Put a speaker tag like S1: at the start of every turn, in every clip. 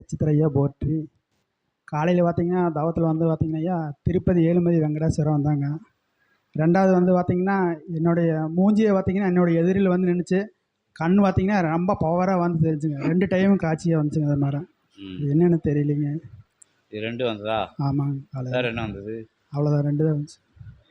S1: சித்திரையா போற்றி. காலையில் பார்த்தீங்கன்னா தவத்தில் வந்து பார்த்தீங்கன்னா ஐயா திருப்பதி ஏழுமதி வெங்கடேஸ்வரம் வந்தாங்க. ரெண்டாவது வந்து பார்த்தீங்கன்னா என்னுடைய மூஞ்சியை பார்த்தீங்கன்னா என்னுடைய எதிரில் வந்து நின்றுச்சு. கண் பார்த்தீங்கன்னா ரொம்ப பவராக வந்து தெரிஞ்சுங்க. 2 டைமும் காட்சியாக வந்துச்சுங்க. அது மாதிரி என்னென்னு தெரியலைங்க.
S2: இது 2 வந்ததா?
S1: ஆமாங்க.
S2: வேற என்ன வந்தது?
S1: அவ்வளோதான், 2 தான் வந்துச்சு.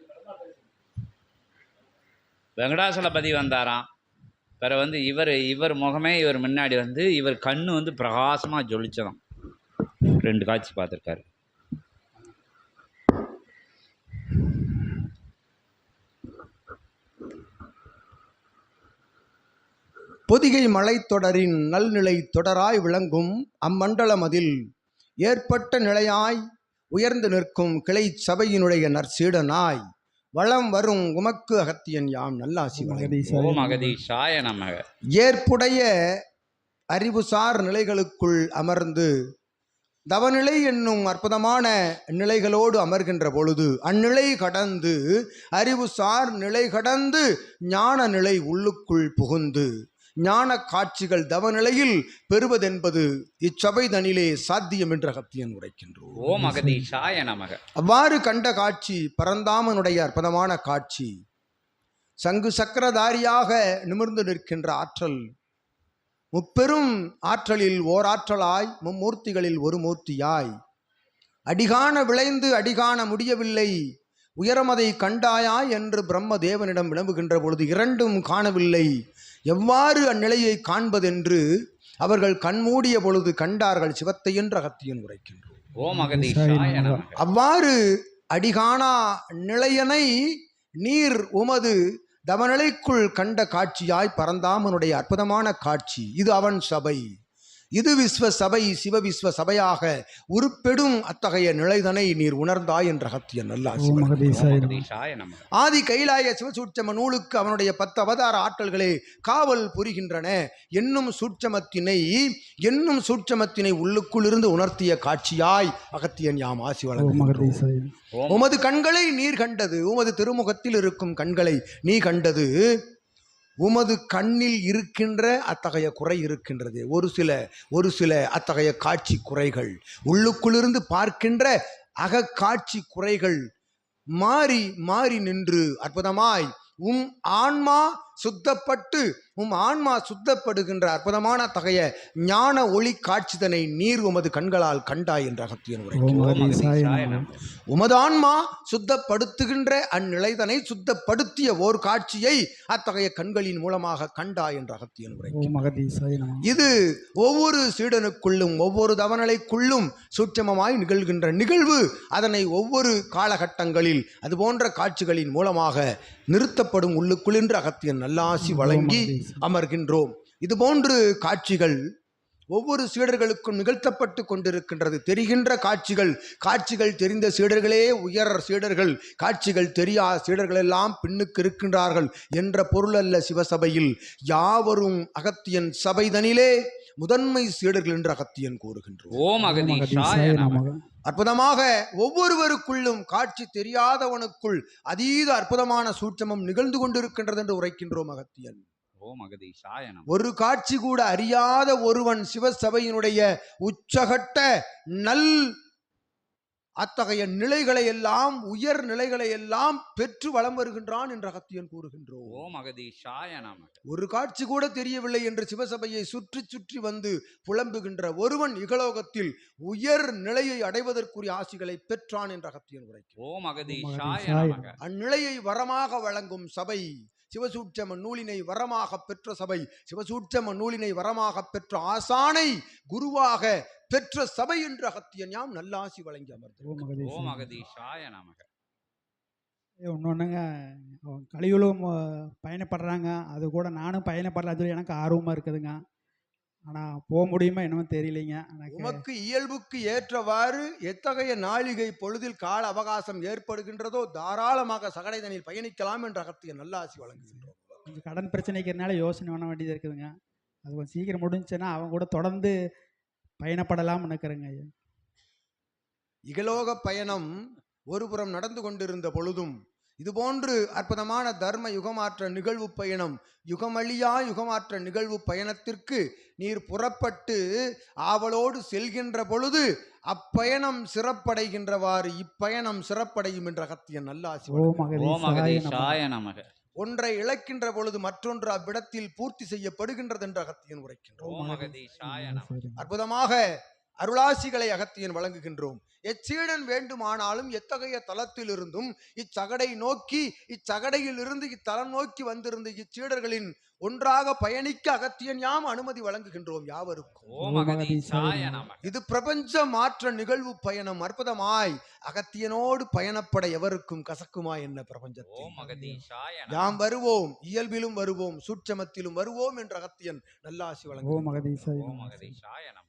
S2: வெங்கடாசலபதி வந்தாராம். வேற வந்து இவர் முகமே இவர் முன்னாடி வந்து இவர் கண்ணு வந்து பிரகாசமாக ஜொலிச்சதாம். 2 காட்சி பார்த்துருக்காரு.
S3: பொதிகை மலைத்தொடரின் நல்நிலை தொடராய் விளங்கும் அம்மண்டலமதில் ஏற்பட்ட நிலையாய் உயர்ந்து நிற்கும் கிளை சபையினுடைய நற்சீடனாய் வளம் வரும் உமக்கு அகத்தியன் யாம் நல்லாசி
S2: அகதீசாய நமக.
S3: ஏற்புடைய அறிவுசார் நிலைகளுக்குள் அமர்ந்து தவநிலை என்னும் அற்புதமான நிலைகளோடு அமர்கின்ற பொழுது அந்நிலை கடந்து அறிவுசார் நிலை கடந்து ஞான நிலை உள்ளுக்குள் புகுந்து ஞான காட்சிகள் தவநிலையில் பெறுவதென்பது இச்சபை தனிலே சாத்தியம் என்று அகத்தியன் உரைக்கின்றோம்.
S2: ஓம் அகதீசாய நமக.
S3: அவ்வாறு கண்ட காட்சி பரந்தாமனுடைய அற்புதமான காட்சி. சங்கு சக்கரதாரியாக நிமிர்ந்து நிற்கின்ற ஆற்றல் முப்பெரும் ஆற்றலில் ஓராற்றலாய் மும்மூர்த்திகளில் ஒரு மூர்த்தியாய் அடிகாண விளைந்து அடிகாண முடியவில்லை உயரமதை கண்டாயா என்று பிரம்ம தேவனிடம் விளம்புகின்ற பொழுது 2ம் காணவில்லை. எவ்வாறு அந்நிலையை காண்பதென்று அவர்கள் கண்மூடிய பொழுது கண்டார்கள் சிவத்தை என்று அகத்தியன் உரைக்கின்றோம்.
S2: ஓம் அகதீசாய நமக.
S3: அவ்வாறு அடிகாணா நிலையனை நீர் உமது தவநிலைக்குள் கண்ட காட்சியாய் பரந்தாமனுடைய அற்புதமான காட்சி. இது அவன் சபை, இது விஸ்வ சபை, சிவ விஸ்வ சபையாக உருப்பெடும் அத்தகைய நிலைதனை நீர் உணர்ந்தாய் என்ற அகத்தியன் நல்லாசி. ஆதி கைலாய சிவசூட்சம நூலுக்கு அவனுடைய 10 அவதார ஆற்றல்களே காவல் புரிகின்றன என்னும் சூட்சமத்தினை உள்ளுக்குள் இருந்து உணர்த்திய காட்சியாய் அகத்தியன் யாம் ஆசி வழங்குகின்றோம். உமது கண்களை நீர் கண்டது, உமது திருமுகத்தில் இருக்கும் கண்களை நீ கண்டது, உமது கண்ணில் இருக்கின்ற அத்தகைய குறை இருக்கின்றது. ஒரு சில அத்தகைய காட்சி குறைகள் உள்ளுக்குள்ளிருந்து பார்க்கின்ற அகக்காட்சி குறைகள் மாறி மாறி நின்று அற்புதமாய் ஆன்மா சுத்தப்படுகின்ற அற்புதமான தகைய ஞான ஒளி காட்சிதனை நீர் உமது கண்களால் கண்டாய் என்ற அகத்தியன் உரைக்கின்றோம். உமது ஆன்மா சுத்தப்படுத்துகின்ற அந்நிலைதனை சுத்தப்படுத்திய ஓர் காட்சியை அத்தகைய கண்களின் மூலமாக கண்டாய் என்ற அகத்தியன் உரைக்கின்றோம். இது ஒவ்வொரு சீடனுக்குள்ளும் ஒவ்வொரு தவநிலைக்குள்ளும் சூட்சமமாய் நிகழ்கின்ற நிகழ்வு. அதனை ஒவ்வொரு காலகட்டங்களில் அதுபோன்ற காட்சிகளின் மூலமாக நிறுத்தப்படும் உள்ளுக்குள் என்று அகத்தியன் நல்லாசி வழங்கி அமர்கின்றோம். இதுபோன்று காட்சிகள் ஒவ்வொரு சீடர்களுக்கும் நிகழ்த்தப்பட்டு கொண்டிருக்கின்றது. தெரிகின்ற காட்சிகள் தெரிந்த சீடர்களே உயர் சீடர்கள், காட்சிகள் தெரியாத சீடர்கள் எல்லாம் பின்னுக்கு இருக்கின்றார்கள் என்ற பொருள் அல்ல. சிவசபையில் யாவரும் அகத்தியன் சபைதனிலே முதன்மை சீடர்கள் என்று அகத்தியன் கூறுகின்றோம். அற்புதமாக ஒவ்வொருவருக்குள்ளும் காட்சி தெரியாதவனுக்குள் அதீத அற்புதமான சூட்சமம் நிகழ்ந்து கொண்டிருக்கின்றது என்று உரைக்கின்றோம் அகத்தியன். ஒரு காட்சி கூட அறியாத ஒருவன் சிவசபையினுடைய உச்சகட்ட நல் அத்தகைய நிலைகளை எல்லாம் உயர் நிலைகளை எல்லாம் பெற்று வலம் வருகின்றான் என்று அகத்தியன் கூறுகின்றோம். ஒரு காட்சி கூட தெரியவில்லை என்று சிவசபையை சுற்றி சுற்றி வந்து புலம்புகின்ற ஒருவன் இகலோகத்தில் உயர் நிலையை அடைவதற்குரிய ஆசிகளை பெற்றான் என்று அகத்தியன் உரைக்கிறான். அந்நிலையை வரமாக வழங்கும் சபை சிவசூட்சம நூலினை வரமாக பெற்ற சபை, சிவசூட்சம நூலினை வரமாக பெற்ற ஆசானை குருவாக பெற்ற சபை என்று அகத்தியன் யாம் நல்லாசி வழங்கி அமர்ந்தோம்.
S1: ஒன்னொன்னுங்க கலியுகம் பயணப்படுறாங்க, அது கூட நானும் பயணப்படலாம் சொல்லி எனக்கு ஆர்வமா இருக்குதுங்க. ஆனா போக முடியுமா என்னமோ தெரியலைங்க.
S3: உமக்கு இயல்புக்கு ஏற்றவாறு எத்தகைய நாளிகை பொழுதில் கால அவகாசம் ஏற்படுகின்றதோ தாராளமாக சகடைதனில் பயணிக்கலாம் என்று அகத்தியன் நல்லாசி வழங்குகின்றோம்.
S1: கொஞ்சம் கடன் பிரச்சனைக்கிறதுனால யோசனை பண்ண வேண்டியது இருக்குதுங்க. அது கொஞ்சம் சீக்கிரம் முடிஞ்சுன்னா அவங்க கூட தொடர்ந்து பயணப்படலாம் நினைக்கிறேங்க.
S3: இகலோக பயணம் ஒருபுறம் நடந்து கொண்டிருந்த பொழுதும் இதுபோன்று அற்புதமான தர்ம யுகமாற்ற நிகழ்வு பயணம், யுகமழியா யுகமாற்ற நிகழ்வு பயணத்திற்கு நீர் புறப்பட்டு ஆவலோடு செல்கின்ற பொழுது அப்பயணம் சிறப்படைகின்றவாறு இப்பயணம் சிறப்படையும் என்ற அகத்தியன் நல்லாசி.
S1: ஓம்
S2: ஓம்
S1: அகதீசாய நமக.
S2: அகதீஷாய நமக.
S3: ஒன்றை இழக்கின்ற பொழுது மற்றொன்று அவ்விடத்தில் பூர்த்தி செய்யப்படுகின்றது என்ற அகத்தியன் உரைக்கின்றோம்.
S2: ஓம் அகதீஷாய நமக.
S3: அற்புதமாக அருளாசிகளை அகத்தியன் வழங்குகின்றோம். எச்சீடன் வேண்டுமானாலும் எத்தகைய தலத்தில் இருந்தும் இச்சகடை நோக்கி, இச்சகடையில் இருந்து இத்தலம் நோக்கி வந்திருந்த இச்சீடர்களின் ஒன்றாக பயணிக்க அகத்தியன் யாம் அனுமதி வழங்குகின்றோம் யாவருக்கும்.
S2: ஓம் அகதீஷாய நமக.
S3: இது பிரபஞ்ச மாற்ற நிகழ்வு பயணம். அற்புதமாய் அகத்தியனோடு பயணப்பட எவருக்கும் கசக்குமா என்ன பிரபஞ்சத்தில்?
S2: ஓம் அகதீஷாய நமக.
S3: யாம் வருவோம், இயல்பிலும் வருவோம், சூட்சமத்திலும் வருவோம் என்ற அகத்தியன் நல்லாசி வழங்குவோம்.
S1: ஓம் அகதீசாய
S2: ஓம்
S1: நமக.
S2: அகதீஷாய நமக.